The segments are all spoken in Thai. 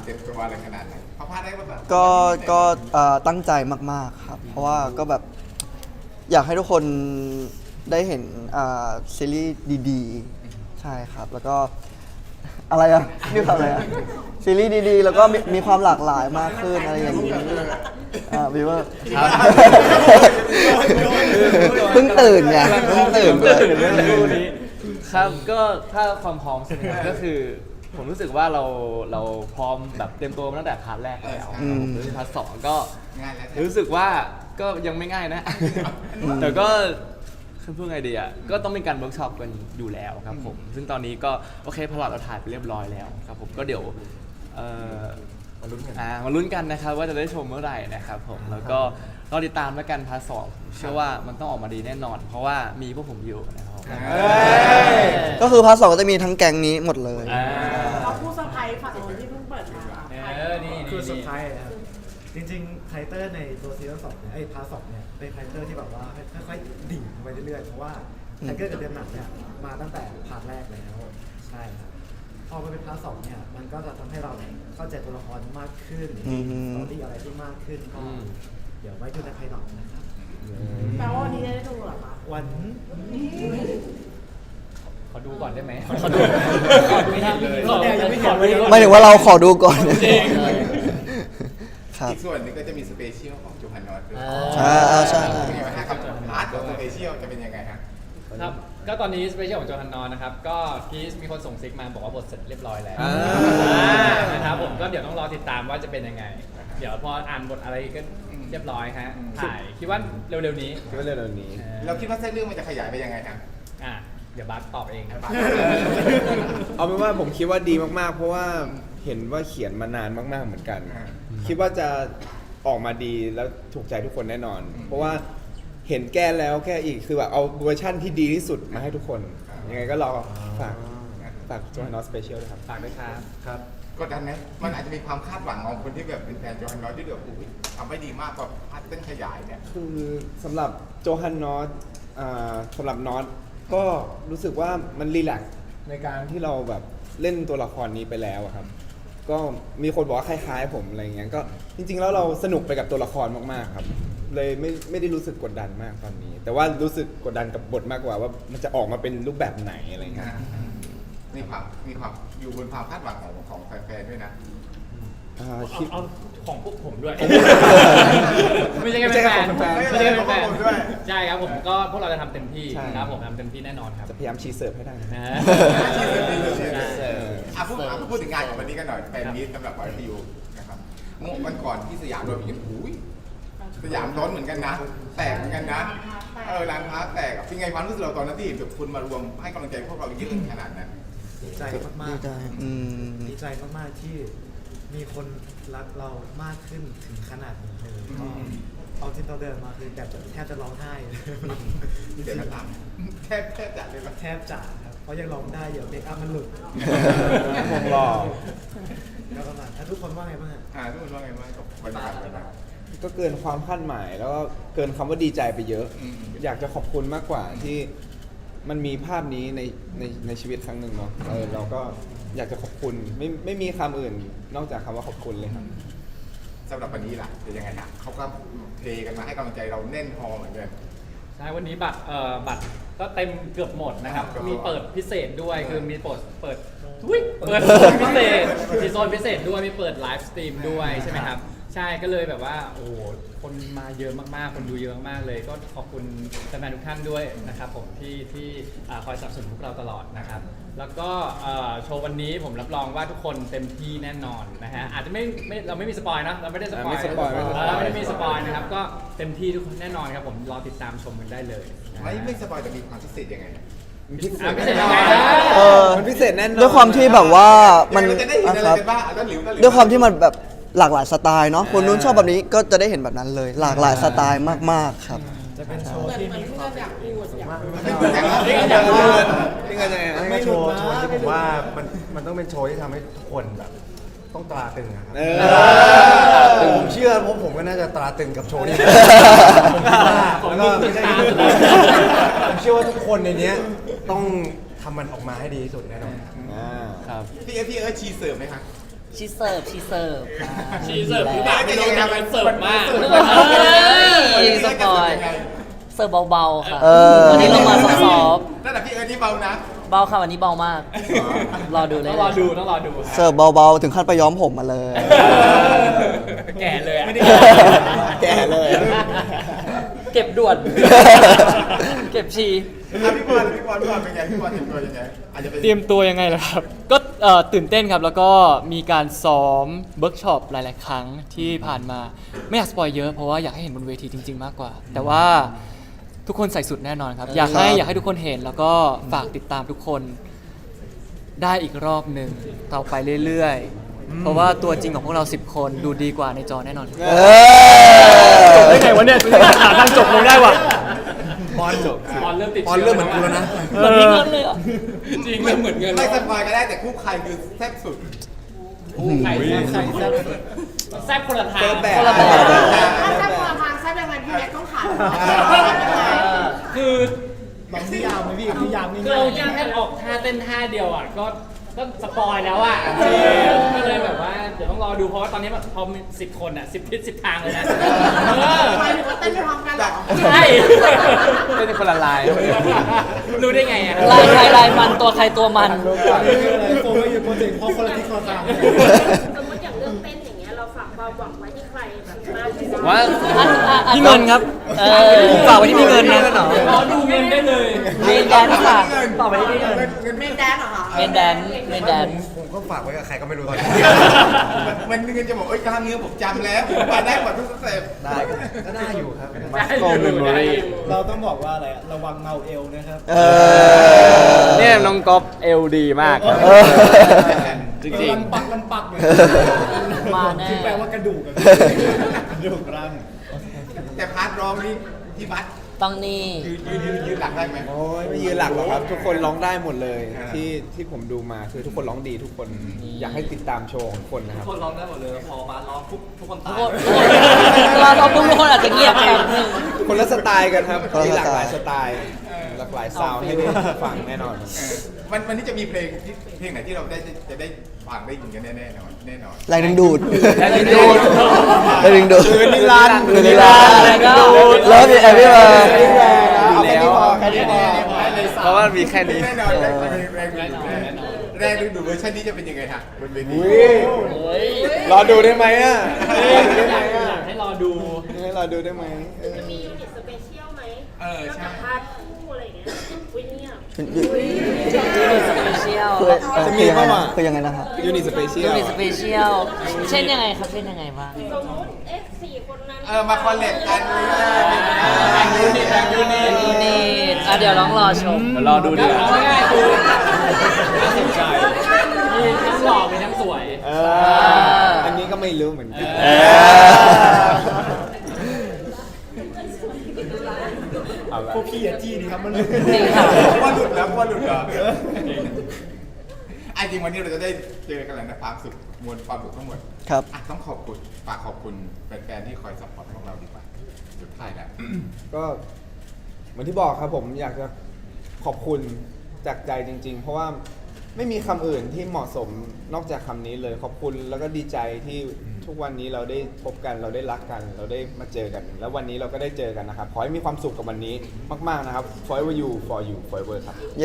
เจ็บตัวอะไรขนาดไหนเขาพลาดได้ป่ะแบบก็ตั้งใจมากๆครับเพราะว่าก็แบบอยากให้ทุกคนได้เห็นซีรีส์ดีๆใช่ครับแล้วก็อะไรอ่ะนี่ทำอะไรอ่ะซีรีส์ดีๆแล้วก็มีความหลากหลายมากขึ้นอะไรอย่างนี้วีเวอร์เพิ่งตื่นไงเพิ่งตื่นเรื่องนี้ครับก็ถ้าความพร้อมใช่ไหมครับก็คือผมรู้สึกว่าเราพร้อมแบบเตรียมตัวมาตั้งแต่พาร์ทแรกแล้วผมรู้สึกพาร์ทสองก็ง่ายแล้วรู้สึกว่าก็ยังไม่ง่ายนะ แต่ก็คือพูดไงดีอ่ะก็ต้องมีการเวิร์กช็อปกันอยู่แล้วครับผมซึ่งตอนนี้ก็โอเคพลอตเราถ่ายไปเรียบร้อยแล้วครับผมก็เดี๋ยวมาลุ้นกันนะครับว่าจะได้ชมเมื่อไหร่นะครับผมแล้วก็รอติดตามแล้วกันพาร์ทสองเชื่อว่ามันต้องออกมาดีแน่นอน เพราะว่ามีพวกผมอยู่นะครับก็คือพาร์ทสองก็จะมีทั้งแก๊งนี้หมดเลยเขาพูดเซอร์ไพรส์ฝั่งนู้นที่เพิ่งเปิดมานี่คือเซอร์ไพรส์นะครับจริงๆคาแรคเตอร์ในตัวซีซั่น2เนี่ยพาร์ท2เนี่ยเป็นคาแรคเตอร์ที่แบบว่าค่อยๆดิ่งไปเรื่อยๆเพราะว่าคาแรคเตอร์กับเดิมหนักเนี่ยมาตั้งแต่พาร์ทแรกแล้วใช่ครับพอมาเป็นพาร์ท2เนี่ยมันก็จะทำให้เราเนี่ยเข้าใจตัวละครมากขึ้นสตอรี่อะไรที่มากขึ้นก็เดี๋ยวไว้ดูในไพลอตนะครับแปลว่าวันนี้จะได้ดูเหรอคะวันขอดูก่อนได้ไหมขอดูไม่เห็นเลยยังไม่เห็นเลยไม่ถึงว่าเราขอดูก่อนครับอีกส่วนหนึงก็จะมีสเปเชียลของโจฮันนอตด้วยใช่เป็นไงบ้างฮะกับพาร์ทของสเปเชียลจะเป็นยังไงฮะครับก็ตอนนี้สเปเชียลของโจฮันนอนนะครับก็พีซมีคนส่งซิกมาบอกว่าบทเสร็จเรียบร้อยแล้วนะครับผมก็เดี๋ยวต้องรอติดตามว่าจะเป็นยังไง เดี๋ยวพออ่านบทอะไรก็เรียบร้อยฮะถ่ายคิดว่าเร็วๆนี้คิดว่าเร็วๆนี้เราคิดว่าเส้นเรื่องมันจะขยายไปยังไงฮะเดี๋ยวบาสตอบเองครับเอาเป็นว่าผมคิดว่าดีมากๆ เพราะว่าเห็นว่าเขียนมานานมากๆเหมือนกัน คิดว่าจะออกมาดีแล้วถูกใจทุกคนแน่นอน เพราะว่าเห็นแก้แล้วแก้อีกคือแบบเอาเวอร์ชั่นที่ดีที่สุดมาให้ทุกคน ยังไงก็รอฝากโจฮันนอสสเปเชียลด้วยครับฝากด้วยครับครับกดดันไหมมันอาจจะมีความคาดหวังของคนที่แบบเป็นแฟนโจฮันนอตที่แบบอุ้ยทำไม่ดีมากกว่าพาร์ทเส้นขยายเนี่ยคือสำหรับโจฮันนอสสำหรับนอตก็รู้สึกว่ามันรีแลกซ์ในการที่เราแบบเล่นตัวละครนี้ไปแล้วอะครับ ก็มีคนบอกว่าคล้ายๆผมอะไรเงี้ยก็จริงๆแล้วเราสนุกไปกับตัวละครมากๆครับ เลยไม่ได้รู้สึกกดดันมากตอนนี้ แต่ว่ารู้สึกกดดันกับบทมากกว่าว่ามันจะออกมาเป็นรูปแบบไหนอะไรเงี้ยมีความอยู่บนความคาดหวังของแฟนๆด้วยนะคิดเอาของพวกผมด้วย ไม่ใช่ไม่แค่ใช่แฟนของแฟนไม่ใช่แค่แฟนของผมด้วยใช่ครับผมก็พวกเราจะทำเต็มที่ใช่ครับผมทำเต็มที่แน่นอนครับจะพยายามชีเสิร์ฟให้ได้นะนะพูดถึงงานของวันนี้กันหน่อยแฟนมีตสำหรับวายพียูนะครับวันก่อนที่สยามโดนอย่างอุ้ยสยามร้อนเหมือนกันนะ แตกเหมือนกันนะร้านค้าแตกเป็นไงความรู้สึกเราตอนนั้นที่เห็นแบบคุณมารวมให้กำลังใจพวกเราเยอะขนาดนั้นดีใจมากดีใจๆดีใจมากๆที่มีคนรักเรามากขึ้นถึงขนาดนี้เลยก็เอาจริงเราเดินมาคือแบบแทบจะร้องไห้เลยเดี๋ยวก็ตามแทบจัดเลยปะแทบจะครับเพราะยังร้องได้เดี๋ยวเมคอัพมันหลุดวงหล่อแล้วประมาณทุกคนว่าไงบ้างฮะทุกคนว่าไงบ้างกับบรรยากาศวันนั้นก็เกินความคาดหมายแล้วก็เกินคำว่าดีใจไปเยอะ อยากจะขอบคุณมากกว่าที่มันมีภาพนี้ในชีวิตครั้งหนึ่งเนาะเราก็อยากจะขอบคุณไม่มีคำอื่นนอกจากคำว่าขอบคุณเลยครับสำหรับวันนี้ล่ะเป็นยังไงฮะเขาก็เทกันมาให้กำลังใจเราแน่นพอเหมือนกันใช่วันนี้บัตรก็เต็มเกือบหมดนะครับครับมีเปิดพิเศษด้วยคือมีเปิดโซนพิเศษมีโซนพิเศษด้วยมีเปิดไลฟ์สตรีมด้วยใช่ไหมครับใช่ก็เลยแบบว่าโอ้โหคนมาเยอะมากๆคนดูเยอะมากๆเลย ก็ขอบคุณแฟนๆทุกท่านด้วยนะครับผมที่คอยสนับสนุนพวกเราตลอดนะครับแล้วก็โชว์วันนี้ผมรับรองว่าทุกคนเต็มที่แน่นอนนะฮะอาจจะไม่เราไม่มีสปอยนะเราไม่ได้สปอยไม่สปอยไม่สปอยไม่ได้มีสปอยนะครับก็เต็มที่ทุกคนแน่นอนครับผมรอติดตามชมกันได้เลยนะฮะไม่สปอยแต่มีความพิเศษยังไงพิเศษพิเศษยังไงนะมันพิเศษแน่นอนด้วยความที่แบบว่ามันเราจะได้เห็นอะไรครับกันบ้างต้นหลิวด้วยความที่มันแบบหลากหลายสไตล์เนาะคนนู้นชอบแบบนี้ก็จะได้เห็นแบบนั้นเลย หลากหลายสไตล์มากๆครับจะเป็นโชว์เหมือนที่เหมือมีนความเพื่อนอยากพูดอยากพูดนี่ก็จะไม่โชว์ที่ผมว่ามันต้องเป็นโชว์ที่ทำให้ทุกคนแบบต้องตราตึงอะครับผมเชื่อเพราะผมก็น่าจะตราตึงกับโชว์นี้ผมคิดว่าแล้วก็ไม่ใช่ผมเชื่อว่าทุกคนในเนี้ยต้องทำมันออกมาให้ดีที่สุดแน่นอนครับพี่เอิร์ธชีเสิร์ฟไหมคะชีเสิร์ฟชีเสิร์ฟค่ะชีเสิร์ฟหรือเปล่าไม่รู้แต่มันเสิร์ฟมากเฮ้ยสปอยเสิร์ฟเบาๆค่ะเออวันนี้ลงมาซอฟต์นั่นแหละพี่นี่เบานะๆเบาค่ะวันนี้เบามาก รอดูเลยต้องรอดูต้องรอดูเสิร์ฟเบาๆ ถึงขั้นไปย้อมผมมาเลยแก่เลยอะไม่ได้แก่เลยเก็บด่วน เก็บชีพี่บอลเป็นไงพี่บอลเตรียมตัวยังไงอาจจะเป็นเตรียมตัวยังไงล่ะครับ ก็ตื่นเต้นครับ แล้วก็มีการซ้อมเวิร์กช็อปหลาย ๆ ครั้งที่ผ่านมา ไม่อยากสปอยเยอะเพราะว่าอยากให้เห็นบนเวทีจริง ๆ มากกว่า แต่ว่าทุกคนใส่สุดแน่นอนครับ อยากให้ทุกคนเห็นแล้วก็ฝากติดตามทุกคนได้อีกรอบหนึ่งต่อไปเรื่อย ๆ เพราะว่าตัวจริงของพวกเรา 10 คนดูดีกว่าในจอแน่นอนเออได้ไงวะเนี่ยหาทางจบลงได้ว่ะบอลจบบอลเริ่มติดบอลเริ่มเหมือนกูแล้วนะเหมือนมีเงินเลยเหรอจริงเริ่มเหมือนเงินไม่สปอยก็ได้แต่คู่ใครคือแซ่บสุดใครแซ่บคนละทางแบบคนละแบบถ้าแซ่บคนละทางแซ่บยังไงพี่แม็กต้องขายคือลองนิยามไหมพี่นิยามคือง่าเรายแค่ออกท่าเต้นท่าเดียวอ่ะก็สปอยแล้วอ่ะก็เลยแบบว่าเดี๋ยวต้องรอดูเพราะว่าตอนนี้แบบพอมี10 คนอ่ะ10 ทิศ10 ทางเลยนะหมายถึงว่าเต้นไปพร้อมกันเหรอใช่เป็นคนละลายรู้ได้ไงอ่ะลายใครลายมันตัวใครตัวมันโฟกัสอยู่โปรเจกต์เพราะคนละทิศคนละทางสมมติอย่างเรื่องเต้นอย่างเงี้ยเราฝากความหวังไว้ที่ใครแบบมากที่สุดว่าพี่เงินครับ ฝากไว้ที่พี่เงินนะรอดูเงินได้เลยเมนแดนซ์ค่ะต่อไปที่พี่เงินเมนแดนเหรอคะเมนแดนซ์เมนแดนซ์ผมก็ฝากไว้กับใครก็ไม่รู้ตอนนี้มันเงินจะบอกกล้ามเนื้อผมจำแล้วผมไปได้หมดทุกสเต็ปได้ก็ได้อยู่ครับได้อยู่ได้อยู่เราต้องบอกว่าอะไรระวังเมาเอวนะครับเออเนี่ยน้องก๊อฟเอลดีมากครับเออจริงมันปักเลยมาแน่คือแปลว่ากระดูกอะกระดูกร่างแต่พาร์ทร้องนี่พี่บัสต้องนี่ยืนหลักได้ไหมโอ้ยไม่ยืนหลักหรอกครับ ทุกคนร้องได้หมดเลยอ่าที่ผมดูมาคือทุกคนร้องดีทุกคนอยากให้ติดตามโชว์ของทุกคนนะครับคนร้องได้หมดเลย พอบาสร้องทุกคนทุกคนเวลาเราทุกคนอาจจะเงียบแป๊บนึงคนละสไตล์กันครับคนละมีหลากหลายสสไตไตล์ล์หลากหลายซาวด์ให้ได้ฟังแน่นอนวันนี้จะมีเพลงไหนที่เราจะได้ฟังได้ยินกันแน่นอนแรงดึงดูดแรงดึงดูดแรงดึงดูดคืนนิรันดร์คืนนิรันดร์แล้วก็แล้วมีแอปเปิ้ลเอาแค่นี้พอแค่นี้พอเพราะว่ามีแค่นี้แน่นอนแรงดึงดูดเวอร์ชันนี้จะเป็นยังไงฮะบนเวทีรอดูได้ไหมอ่ะอยากให้รอดูให้รอดูได้ไหมจะมียูนิตสเปเชียลไหมใช่พาร์ทคู่อะไรอย่างเงี้ยอุ้ยเนี่ยยูนิตสเปเชียลจะมีป่าวะคือยังไงนะครับยูนิสเปเชียยูลนิตสเปเชียลเช่นยังไงครับเช่นยังไงบ้างสมมติ4 คนนั้นมาคอลเลกกันเลยยูนิตเดี๋ยวลองรอชมเดี๋ยวรอดูดีกว่าเอาง่ายๆคือน่าสนใจมีทั้งหล่อมีทั้งสวยอันนี้ก็ไม่รู้เหมือนกันพวกพี่อะจี้ดีครับมันจริงค่ะว่าหลุดแล้วจริงวันนี้เราจะได้เจอกันแล้วนะความสุขมวลความสุขทั้งหมดครับต้องขอบคุณฝากขอบคุณแฟนๆที่คอยซัพพอร์ตของเราดีกว่าสุดท้ายแล้วก็เหมือนที่บอกครับผมอยากจะขอบคุณจากใจจริง ๆ เพราะว่าไม่มีคำอื่นที่เหมาะสมนอกจากคำนี้เลยขอบคุณแล้วก็ดีใจที่ทุกวันนี้เราได้พบกันเราได้รักกัน เราได้มาเจอกัน แล้ววันนี้เราก็ได้เจอกันนะครับขอให้มีความสุขกับวันนี้มากๆนะครับ forever you for you forever ครับเย้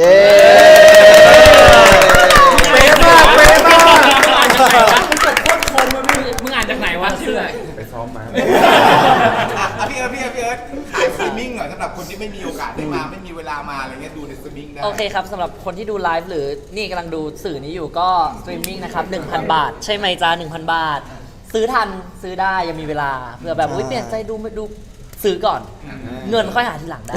เป๊ะมากเป๊ะมากมึงอ่านจากไหนวะชื่ออะไรไปซ้อมมาพี่เอิร์ธขายสตรีมมิ่งหน่อยสำหรับคนที่ไม่มีโอกาสได้มาไม่มีเวลามาอะไรเงี้ยดูในสตรีมมิ่งได้โอเคครับสำหรับคนที่ดูไลฟ์หรือนี่กำลังดูสื่อนี้อยู่ก็สตรีมมิ่งนะครับ 1,000 บาท ใช่ไหมจ้า 1,000 บาท ซื้อทันซื้อได้ยังมีเวลาเผื่อแบบอุ๊ยเปลี่ยนใจดูไม่ดูซื้อก่อน เงินค่อยหาทีหลังได้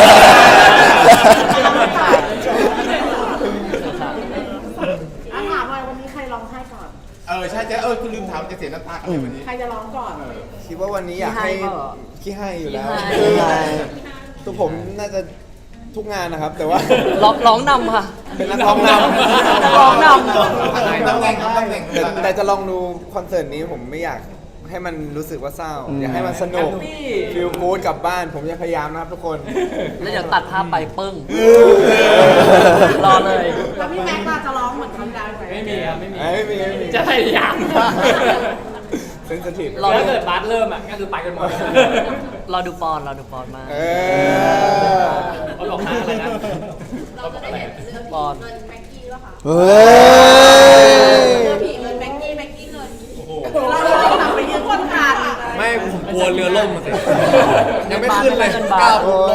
ถามว่าวันนี้ใครร้องไห้ก่อนใช่คุณลืมถามจะเสียน้ำตากันวันนี้ใครจะร้องก่อนคิดว่าวันนี้อยากให้ขี้ให้เปล่าขี้ให้อยู่แล้วขี้ให้ตัวผมน่าจะทุกงานนะครับ แต่ว่าร้องนำค่ะเป็นนักร้องนำนักร้องนำตำแหน่งแต่จะลองดูคอนเสิร์ตนี้ผมไม่อยากให้มันรู้สึกว่าเศร้า อยากให้มันสนุกฟีลกู๊ดกลับบ้าน ผมจะพยายามนะครับทุกคนแล้วเดี๋ยวตัดภาพไปปึ้ง รอเลยแล้วพี่แม็กซ์ล่ะจะร้องเหมือนครั้งที่แล้วไหมไม่มีครับไม่มีไม่มีจะพยายามเซนซิทีฟรอถ้าเกิดบาสเริ่มอ่ะก็คือไปกันหมดรอดูปอนมากเขาบอกนะอะไรนะเราจะได้เห็นเรือปอนเงินแม็กกี้ป่ะคะเฮ้ยเรือผีเงินแม็กกี้เงินเราจะกลับไปยืนคนขาดไม่ผมกลัวเรือล่มมาสิยังไม่ขึ้นเลยก้าวปุ๊บล่ม